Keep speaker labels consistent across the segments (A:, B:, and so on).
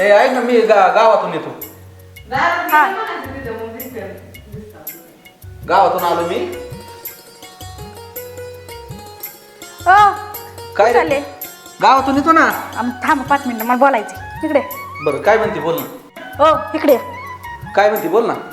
A: हे ऐक ना मी गावातून येतो. गावातून आलो मी.
B: काय चालले?
A: गावातून येतो ना.
B: थांब 5 मिनिटं मला बोलायचं इकडे.
A: बरं काय म्हणते बोल ना.
B: हो इकडे.
A: काय म्हणते बोल ना.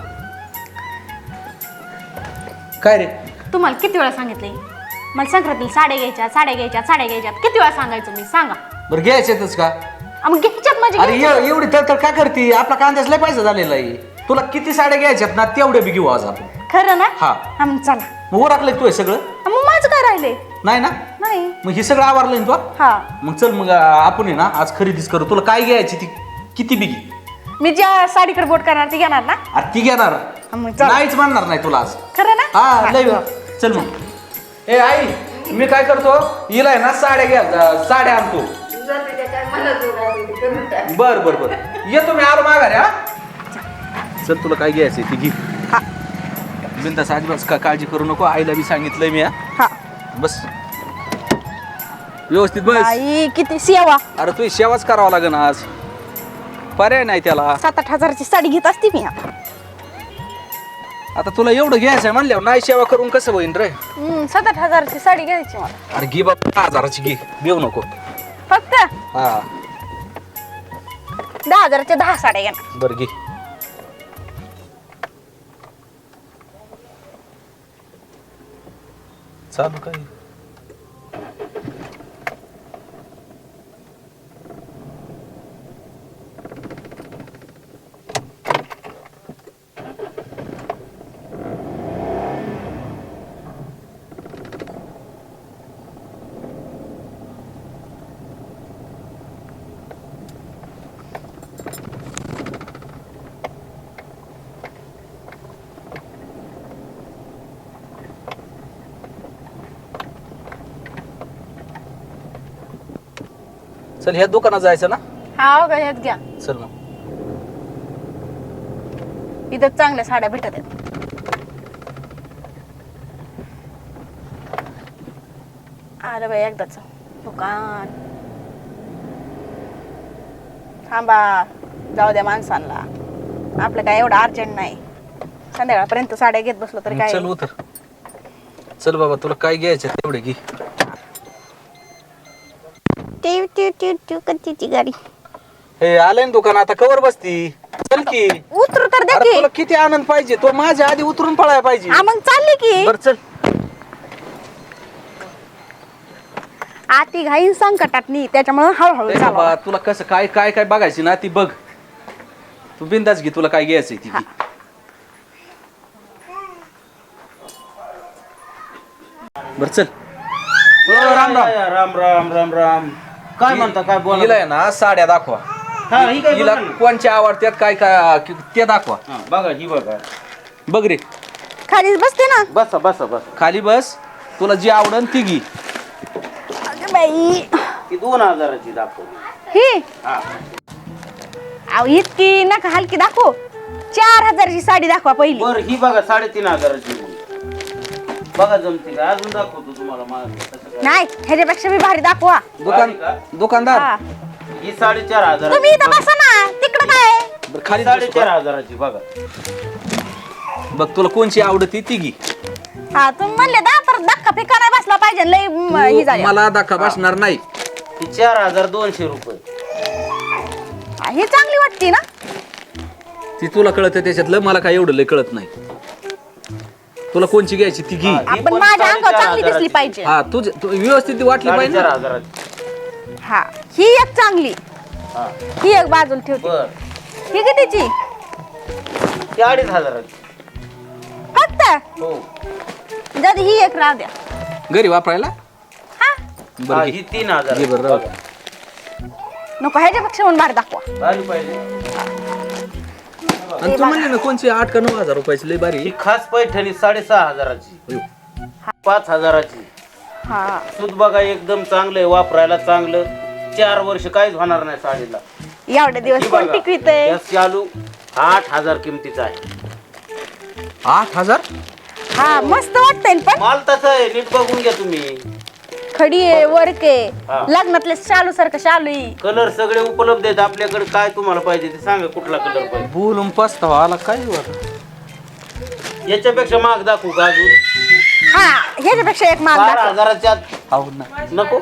A: काय रे
B: तुम्हाला किती वेळा सांगितलंय मला संक्रांतीला साड्या घ्यायच्या किती वेळा सांगायचं मी सांगा.
A: बरं घ्यायच्यातच का?
B: मग घ्यायच्यात म्हणजे
A: अरे एवढी तर काय करते आपला कांद्याच लय पैसा झालेला आहे. तुला किती साड्या घ्यायच्यात ना तेवढे बी घेऊ आज आपण.
B: खरं ना?
A: हा
B: मग चला.
A: मग ओरखलंय तू हे सगळं?
B: मग माझं काय राहिले
A: नाही ना.
B: नाही
A: मग हे सगळं आवरलंय तू.
B: हा
A: मग चल मग आपण आहे ना आज खरेदीच करू. तुला काय घ्यायची ती किती बी घे.
B: मी ज्या साडीकडे बोट करणार ती घेणार ना.
A: अरे ती घेणार
B: मग चला.
A: नाहीच म्हणणार नाही तुला आज.
B: खरं ना?
A: हा लय चल मग. ए आई मी काय करतो हिला आहे ना साड्या घ्या साड्या आणतो. बर बर बर येतो मी आलो माघारी. हा चल तुला काय घ्यायचंय ती घे. बिंदास अजिबात काळजी करू नको. आईला बी सांगितलंय मी.
B: हा
A: बस व्यवस्थित बस.
B: आई किती सेवा.
A: अरे तू सेवाच करावा लागेल आज. पर्याय नाही त्याला.
B: 7-8 हजाराची साडी घेत असते मी.
A: आता तुला एवढं घ्यायचंय म्हणल्यावर नाही सेवा करून कसं होईन रे.
B: 7-8 हजाराची साडी घ्यायची मला.
A: अरे घे बाबा 10,000ची घे. देऊ नको.
B: फक्त
A: हा
B: 10 हजाराच्या 10 साड्या घेणार.
A: बरं घे. चालू काय चल ह्या दुकानात जायचं ना.
B: हा का ह्यात घ्या.
A: चल मग.
B: इथं चांगल्या साड्या भेटत आहेत. अरे बाई एकदाच दुकान. थांबा जाऊ द्या माणसांना. आपलं काय एवढं अर्जंट नाही. संध्याकाळपर्यंत साड्या घेत बसलो तरी काय.
A: चल उतर. चल बाबा तुला काय घ्यायचं तेवढे घे.
B: कच्ची गाडी
A: हे आलंय ना दुकान. आता कवर बसती. चल की
B: उतरू तर दे
A: अरे
B: की.
A: तुला किती आनंद पाहिजे. तो माझ्या आधी उतरून पळायला पाहिजे.
B: मग चालली की.
A: बर चल.
B: आती घाई संकटात नाही त्याच्यामुळे हळूहळू
A: ए
B: चालवा.
A: बाबा तुला कसं काय काय काय बघायची ना ती बघ. तू बिंदास घे. तुला काय घ्यायचंय ती घे. बर चल. राम राम.
C: राम राम राम राम. काय म्हणता काय बोला.
A: हिला आहे ना साड्या दाखवा.
C: हा ही काय
A: हिला
C: बघा ना.
A: कोणच्या आवडत्यात काय काय ते दाखवा.
C: हा, बघा ही बघा.
A: बघ रे
B: खाली बसते ना.
C: बसा बसा बसा.
A: खाली बस. तुला जी आवडन ती घे.
B: अगं बाई
C: ही 2000ची दाखव.
B: ही
C: हा
B: अहो इतकी नका हलकी दाखव. 4 हजाराची साडी दाखवा पहिली.
C: बर ही बघा 3500ची. बघा जमते का अजून दाखवतो तुम्हाला कसं काय.
B: नाही ह्याच्यापेक्षा मी भारी दाखवा.
A: दुकानदार
B: हा.
C: ही 4500.
B: तुम्ही इथं बसा ना. तिकडं काय
A: बरं, खाली बस.
C: 4500ची बघा.
A: बघ तुला कोणची आवडती ती घे.
B: हा तुम्ही म्हणले दा परत धक्का फेका नाही बसला पाहिजे. लय ही झाली.
A: मला धक्का बसणार नाही.
C: ही 4200 रुपये.
B: ही चांगली वाटते ना.
A: ती तुला कळत त्याच्यातलं. मला काय एवढं लय कळत नाही. तुला कोणची घ्यायची ती घे.
C: ही
B: आपण
C: पण
B: माझ्या अंगावर चांगली
C: 4500
B: दिसली पाहिजे.
A: हा तू व्यवस्थित वाटली पाहिजे ना.
C: 4500.
B: हा ही एक चांगली.
C: हा
B: ही एक बाजूला ठेवते.
C: बर
B: ही कितीची?
C: ही 2500ची.
B: फक्त
C: हो
B: जर ही एक राहू द्या.
A: घरी वापरायला.
B: हा
C: हा,
A: बरं
C: ही 3000.
A: घे बरं, राहू दे.
B: नको ह्याच्यापेक्षा म्हणून भारी दाखवा.
C: भारी पाहिजे.
A: आणि तू म्हणले ना कोणची 8 का 9 हजार रुपयाची लय
C: ही
A: बारी.
C: खास पैठणी 6500ची. 5000ची.
B: हा
C: सूत बघा एकदम चांगलं आहे. वापरायला चांगलं. 4 वर्ष काहीच होणार नाही साडीला.
B: एवढे दिवस
C: ही
B: कोण
C: बघा.
B: टिकवितंय.
C: या चालू 8000 किमतीचा आहे.
A: 8,000.
B: हा मस्त वाटतंय पण
C: माल तसा आहे. नीट बघून घ्या तुम्ही.
B: खडी आहे वर्क
C: हा.
B: आहे लग्नातले शालू सारखं शालू आहे.
C: कलर सगळे उपलब्ध आहेत आपल्याकडे. काय तुम्हाला पाहिजे ते सांगा, कुठला कलर पाहिजे.
A: बोलून पस्तावा आला काय होतं
C: याच्यापेक्षा महाग दाखवू का अजून?
B: हा ह्याच्यापेक्षा एक माग
C: 12,000च्या आत
A: हो ना
C: नको.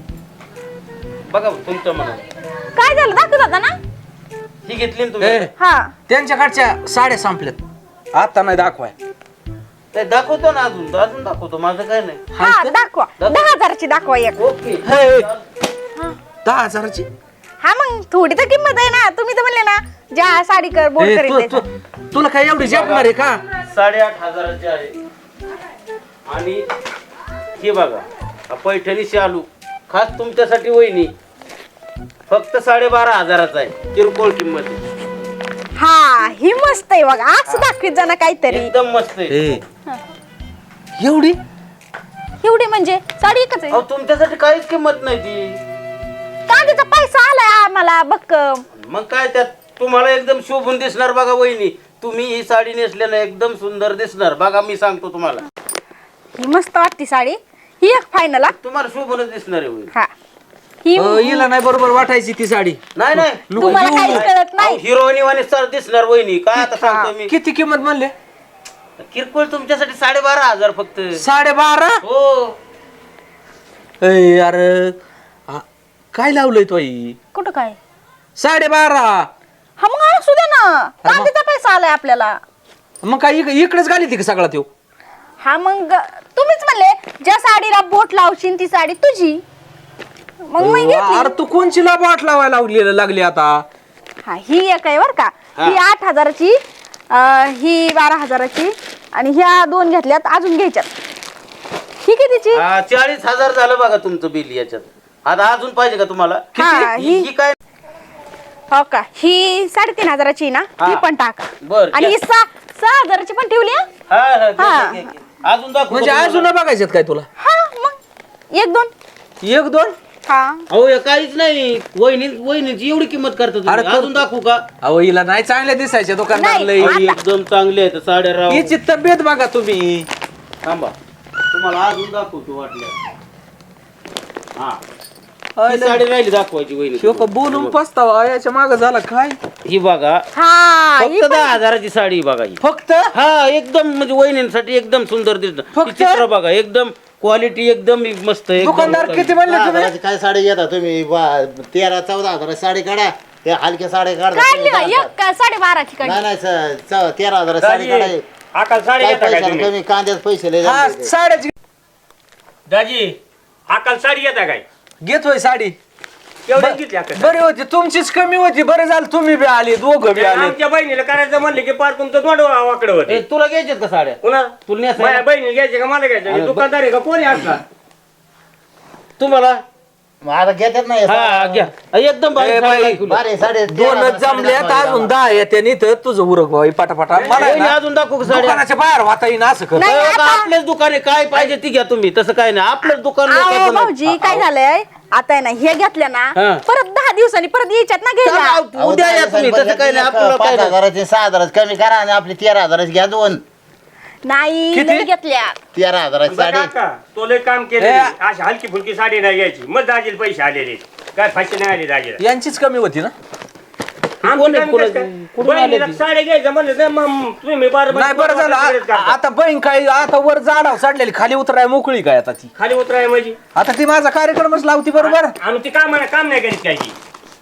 C: बघा तुमच्या मनात.
B: काय झालं दाखवत होता ना.
C: ही घेतली ना तुम्ही?
A: ए,
B: हा
A: त्यांच्याकडच्या साड्या संपल्यात आता नाही दाखवाय
C: नाही, दाखवतो ना अजून अजून दाखवतो. माझं काय नाही.
B: हा दाखवा 10,000ची दाखवा एक.
C: ओके.
A: हे, 10,000ची
B: हा मग थोडी तर किंमत आहे ना. तुम्ही तर म्हणले ना ज्या साडी कर बोल
A: ए,
B: करीन
A: तुला काय एवढी झेपणार आहे का?
C: 8,500ची आहे. आणि हे बघा हा पैठणी शालू खास तुमच्यासाठी वहिनी फक्त 12,500चा आहे. किरकोळ किंमत आहे.
B: हा ही मस्त आहे बघा. आज दाखवीत जाणं काहीतरी.
C: एकदम मस्त आहे.
A: ए, एवढी
B: एवढी म्हणजे साडी एकच आहे.
C: अहो तुमच्यासाठी काहीच किंमत नाही ती.
B: कांद्याचा पैसा आलाय आम्हाला बक्कम.
C: मग काय त्यात तुम्हाला एकदम शोभून दिसणार बघा वहिनी. तुम्ही ही साडी नेसल्यानं एकदम सुंदर दिसणार बघा. मी सांगतो तुम्हाला,
B: ही मस्त वाटती साडी. ही एक फायनल हा.
C: तुम्हाला शोभूनच दिसणार आहे वहिनी.
B: हा ही
A: हिला नाही बरोबर वाटायची ती साडी.
C: नाही नाही
B: तुम्हाला काहीच कळत नाही.
C: हिरोईनी वाणी सर दिसणार वहिनी. काय आता सांगतो मी.
A: किती किंमत म्हणले?
C: किरकोळ तुमच्यासाठी 12,500 फक्त.
A: 12.5.
C: हो
A: ए अरे काय लावलंय तो आई?
B: कुठं काय
A: 12.5.
B: हा मग असू द्या ना. कांद्याचा पैसा आलाय आपल्याला.
A: मग काय इकडेच घाली ती का सगळा त्यो?
B: हा मग तुम्हीच म्हणले ज्या साडीला बोट लावशील ती साडी तुझी. मग मी घेतली.
A: अरे तू कोणची बोट लावायला लागली आता?
B: हा ही एक आहे बर का. ही 8,000ची ही 12,000ची आणि ह्या दोन घेतल्यात अजून घ्यायच्यात. ही कितीची?
C: 40,000 झालं बघा तुमचं बिल याच्यात. आता अजून पाहिजे का तुम्हाला?
B: हा,
C: ही ही काय?
B: हो का ही 3,500ची ना.
C: हा.
B: ही पण टाका.
C: बर
B: आणि ही 6,000ची पण ठेवली हा?
C: हा हा घे,
B: हा.
C: घे, घे. अजून दाखवतो
A: म्हणजे
C: तुम्हाला.
A: अजून बघायच्यात काय तुला?
B: हा मग एक दोन.
A: 1-2?
B: हा
C: अहो हे काहीच नाही. वहिनीची एवढी किंमत करता तुम्ही.
A: अरे तो-
C: अजून दाखवू का?
A: अहो हिला नाही चांगल्या दिसायच्या दुकानदार
B: नाही.
A: लय.
C: ही एकदम चांगले आहेत साड्या राव.
A: हिची तब्येत बघा तुम्ही.
C: थांबा तुम्हाला अजून दाखवतो वाटल्या. हा ही
A: अरे,
C: साडी राहिली दाखवायची वहिनी.
A: ह्यो का बोलून पस्तावा याच्या माग झाला काय?
C: ही बघा
B: हा ही
C: फक्त 10,000ची साडी बघा ही.
A: फक्त
C: हा एकदम म्हणजे वहिनींसाठी एकदम सुंदर दिसत.
A: फक्त?
C: चित्र बघा एकदम क्वालिटी एकदम मस्त आहे. एकदम
A: दुकानदार
C: मस्त.
A: किती म्हणले तुम्ही?
D: 10,000ची काय साडी घेता तुम्ही? 13-14 साडी काढा. ते हलक्या साड्या काढा.
B: काढली का? एक का 12,500ची काढली.
D: नाही नाही 13,000 साडी काढा.
E: आकाल साडी
D: काय
E: घेता काय
D: पैशाला
E: तुम्ही?
D: कमी कांद्यात पैसे लय
A: हा
D: जाते.
A: साड्याची
E: दाजी आकाल साडी घेता काय?
A: घेतोय साडी.
E: एवढी घेतली आकाल
A: बरी होती तुमचीच कमी होती. बरं झालं तुम्ही बी आले दोघं बी आले.
E: आमच्या बहिणीला करायचं म्हणले की पार तुमचं तोंड वाकडं
C: ए,
E: होते.
C: तुला घ्यायच्यात का साड्या?
E: पुन्हा
C: तुला नेसायला?
E: माझ्या बहिणीला घ्यायचे का मला घ्यायचे? हे दुकानदार आहे का कोणी असला?
C: तुम्हाला
D: मग आता घेतात नाही
C: हा घ्या. एकदम भारी
A: ए,
C: साडी
A: बाई,
C: दाखवली.
D: बारे साडे
A: दोनच जमल्यात अजून 10 येते नी तर तुझं उरक भाऊ पटापटा. मला आहे
C: वहिनी,
A: ना,
C: अजून दाखवू का साड्या?
A: दुकानाच्या बाहेर वाता येईन असं कर.
B: नाही,
C: अहो, का
B: आता-
C: आपलेच दुकान आहे. काय पाहिजे ती घ्या तुम्ही. तसं काय नाही. आपलंच दुकान
B: अहो,
C: लोकांचं नाही.
B: भाऊजी काय झालंय आता आहे ना हे घेतल्या ना
C: हा.
B: परत 10 दिवसांनी परत यायच्यात ना घ्यायला.
C: चला, उद्या या तुम्ही. तसं काय नाही. आपल्याला काय नाही.
D: 5,000 6,000 कमी करा आणि आपली 13,000 घ्या. दोन
B: नाही
A: किती?
B: लई घेतल्या.
D: 13,000 साडी.
E: काका तो लय काम केले. अशी हलकी फुलकी साडी नाही घ्यायची. मग दाजीला पैसे आलेले काय फाशी नाही आले दाजीला.
A: यांचीच कमी होती ना?
C: कोण आहे? कोण- कुठून आले
E: बहिणीला
C: ती?
E: साडी घ्यायचं म्हणलं तर मग तुम्ही बार
A: नाही बरं झालं आता बहीण काय आता वर जाडाव चढलेली खाली उतराय मोकळी काय आता ती.
E: खाली उतराय म्हणजे
A: आता ती माझा कार्यक्रमच लावती बरोबर.
E: आणि ती काम नाही करीत काय ती.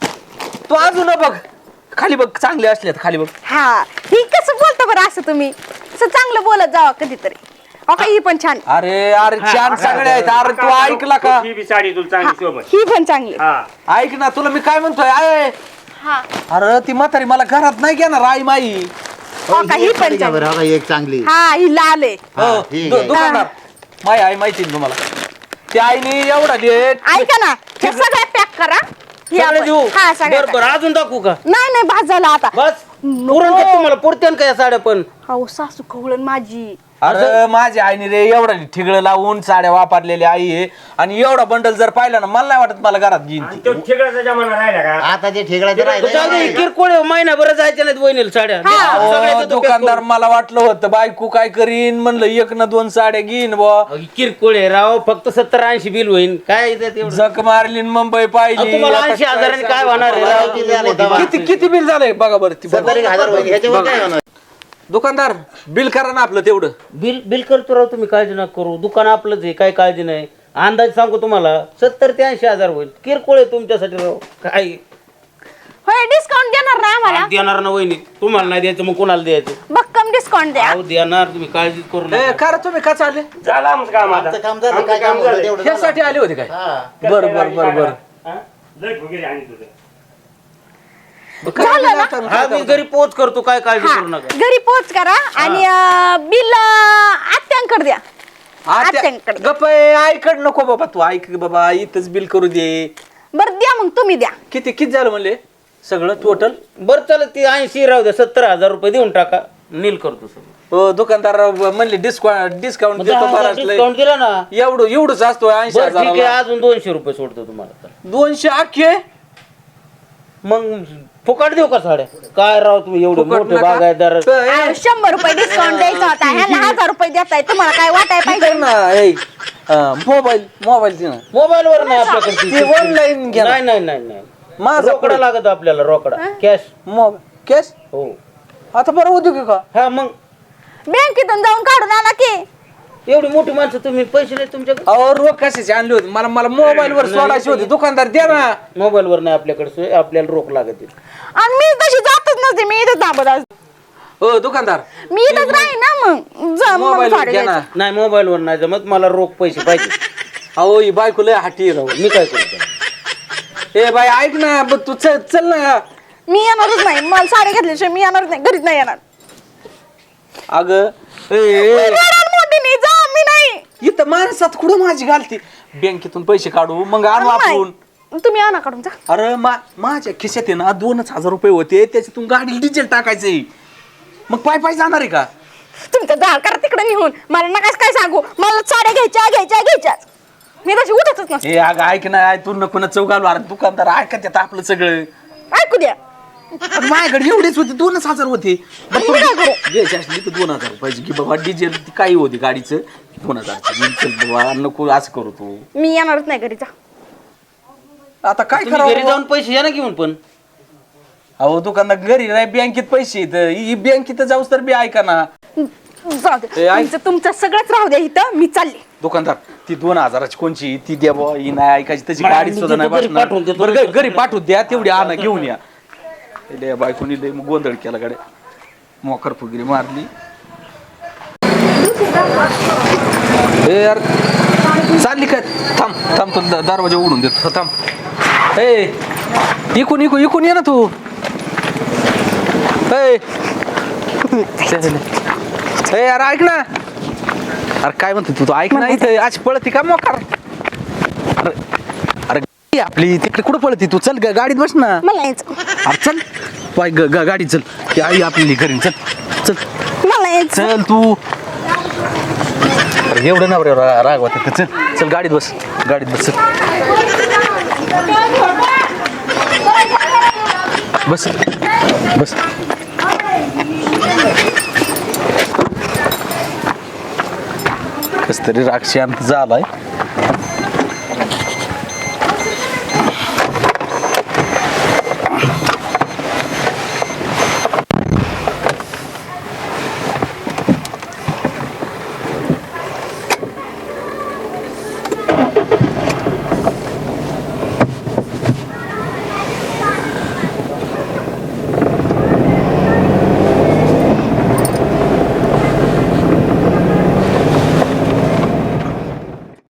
A: तू अजून बघ खाली बघ चांगले असल्यात खाली बघ.
B: हा ही कसं बोलता बरं असं तुम्ही असं चांगलं बोलत जावा कधीतरी. हो का ही पण छान.
A: अरे अरे छान सगळे आहेत. अरे तू ऐकला का?
E: ही बी साडी तुला चांगली शोभन.
B: ही पण चांगली.
E: हा
A: ऐक ना तुला मी काय म्हणतोय आय
B: हा
A: अरे ती म्हातारी मला घरात नाही घेणार आई माई.
B: हो का ही
D: एक
B: पण
D: साडी घ्या
B: चांगली.
D: बरं. हो का, एक चांगली.
B: हा ही लाल आहे.
A: हो,
D: ठीक आहे.
A: दुकानदार माई आई माहिती ना तुम्हाला. त्या आईने एवढा लेट
B: ऐका ना हे सगळं पॅक करा. हे
C: सगळे
B: आपण-
C: देऊ.
B: हा सगळं
C: बरं बरं अजून दाखवू का?
B: नाही नाही भात झाला आता.
C: बस पुरण का तुम्हाला पुरत्यान का या साड्या पण?
B: हो सासू खवळण माझी
A: अरे माझ्या आईने रे एवढा ठिगळं लावून साड्या वापरलेल्या आई आहे आणि एवढा बंडल जर पाहिला ना मला नाही वाटत मला घरात घेईन
E: आणि
A: ती.
E: तो ठेकडाचा जमाना राहिला का
D: आता ते ठेकड्याचं
C: जाऊ दे,
D: राहिलं
C: किरकोळ आहे, महिनाभर जायच्या नाहीत वहिनीला साड्या सगळ्याचं
A: अहो,
C: तो
A: दुकानदार मला वाटलं होतं बायको काय करीन म्हणलं 1 ना 2 साड्या घेईन बुवा.
C: किरकोळ आहे राव, फक्त 70-80 बिल होईल काय इथे तेवढं?
A: जक मारली न मुंबई पाहिली
C: तुम्हाला
A: आता
C: 80,000 काय होणार आहे राव?
A: किती किती बिल झालंय बघा बरं ती बघा.
D: 70,000 होईल ह्याच्यावर काय होणार?
A: दुकानदार बिल करा ना आपलं तेवढं.
C: बिल बिल करतो राव, तुम्ही काळजी नका करू, दुकान आपलंच आहे, काय काळजी नाही. अंदाज सांगू तुम्हाला 70 ते 80,000 होईल. किरकोळ आहे तुमच्यासाठी राव, काय
B: होय डिस्काउंट देणार ना आम्हाला
C: देणार ना वहिनी, तुम्हाला नाही द्यायचं मग कोणाला द्यायचं?
B: भक्कम डिस्काउंट द्या.
C: अहो देणार, तुम्ही काळजी करू नका.
A: करा तुम्ही का चालले
E: झालं आमचं काम आता
D: आमचं काम झालं,
E: आमचं
D: काय काम होतं
E: झालं.
D: तेवढं झालं.
A: ह्यासाठी आले होते काय
D: हा.
A: बर बर बर बर
E: हा? लय फुगीरी आणि तुझं
C: हा मी घरी पोच करतो, काय काळजी करू नका.
B: घरी पोच करा आणि बिल आत्यांकडे द्या. आत्यांकडे.
A: गप आईकड नको बाबा तू ऐक बाबा इथंच बिल करू दे.
B: बरं द्या मग तुम्ही द्या.
A: किती झालं म्हणले सगळं टोटल?
C: बरं चला, ती 80 राहू द्या, 70,000 रुपये देऊन टाका, नील करतो सगळं.
A: हो दुकानदार म्हणले डिस्काउंट देतो बराच लय.
C: डिस्काउंट दिला ना.
A: एवढंच असतो
C: बरं ठीक आहे,
A: 80,000.
C: अजून 200 रुपये सोडतो तुम्हाला तर.
A: 200 अख्खे
C: मग फुकट देऊ का साड्या? काय राव तुम्ही एवढे मोठे बागायतदार.
B: 100 रुपये डिस्काउंट द्यायचा होता, ह्याला 1000 रुपये देताय, तुम्हाला काय वाटाय पाहिजे?
A: मोबाईल दे ना.
C: मोबाईल वर नाही आपल्याकडे
A: ते ऑनलाईन घ्या ना.
C: नाही नाही नाही नाही,
A: माझा
C: रोकडा लागत आपल्याला, रोकडा कॅश.
A: मोबाईल कॅश
C: हो
A: आता बरं उद्योग का?
C: हा मग
B: बँकेतून जाऊन काढून आणा की.
C: एवढी मोठी माणसं तुम्ही, पैसे नाही तुमच्याकडे?
A: अहो रोख कशाचे आणले होते मला मोबाईल वर सोडायचे होते. दुकानदार द्या ना.
C: मोबाईल वर नाही आपल्याकडे सोय, आपल्याला रोख लागत आहे.
B: आणि मी तशी जातच नसते, मी इथं थांबत असते.
A: हो दुकानदार
B: मी इथंच राहीन ना मग जा मग
A: मोबाईल
B: साडी
A: घ्या ना.
B: घ्यायची.
C: नाही मोबाईल वर नाही जमत, मला रोख पैसे पाहिजे.
A: अहो ही बायको लय हाटी राहू.
C: मी काय करतो?
A: ए बाई ऐक ना तू चल ना.
B: मी येणारच नाही, मला साडी घेतल्याशिवाय मी येणारच नाही, घरीच नाही येणार.
A: अगं
B: रडाल मोठीने, जा मी नाही.
A: इथं माणसात कुठं माझी घालती. बँकेतून पैसे काढू मग आणू आपण.
B: तुम्ही आणा काढून जा.
A: अरे माझ्या खिशात आहे ना 2,000 रुपये होते, त्याच्यातून गाडी डिझेल टाकायचंय. मग पाय जाणार आहे का?
B: तुमचं झाड करा तिकडे निघून, मला नका काय सांगू. मला साड्या घ्यायच्याच. मी तशी उठतच नसते.
A: हे अगं ऐक ना, तू नको ना चौकाल. अरे दुकानदार ऐकत येतं आपलं सगळं.
B: ऐकू द्या.
A: पण माझ्याकडे एवढेच होते, 2,000 होते.
B: आणि मी काय करू?
A: घ्यायची असली तर 2,000 रुपयाची की बाबा डिझेल ती काही होती गाडीचं 2,000. बाबा नको असं करू तू.
B: मी येणारच नाही घरी, जा.
A: आता काय
C: तुम्ही घरी
A: करावं?
C: जाऊन पैसे या ना घेऊन. पण
A: अहो दुकानदार घरी नाही, बँकेत पैसे येत. बँकेत जाऊस तर बी ऐका ना.
B: जाऊ दे,
A: ए, ऐक.
B: तुमचं सगळंच राहू द्या इथं, मी चालले.
A: दुकानदार ती 2,000ची कोणची ती द्या बुवा, ही नाही ऐकायची त्याची
C: मला
A: गाडी
C: मी
A: सुद्धा नाही
C: देतो, घरी
A: बसणार.
C: पाठवून देतो.
A: बरं घरी पाठवून द्या, तेवढी आणा घेऊन या. लय बायकोनी लय गोंधळ केला गाड्या, मोकर फुगिरी मारली. ए यार चालली काय? थांब तो दरवाजा उघडून देतो. थांब. ए इकून ये ना तू. ए यार ऐक ना. अरे काय म्हणतो तू ऐक ना, इथं आज पळती का मोकार? अरे आपली तिकडे कुठं पळती तू? चल गाडीत बस ना.
B: मला यायचं,
A: अरे चल पाय गाडी चल. ती आई आपली घरी चल.
B: मला यायचं.
A: चल तू. अरे एवढं ना राग वाटत. चल गाडीत बस. चल बस. कस तरी राग शांत झालाय.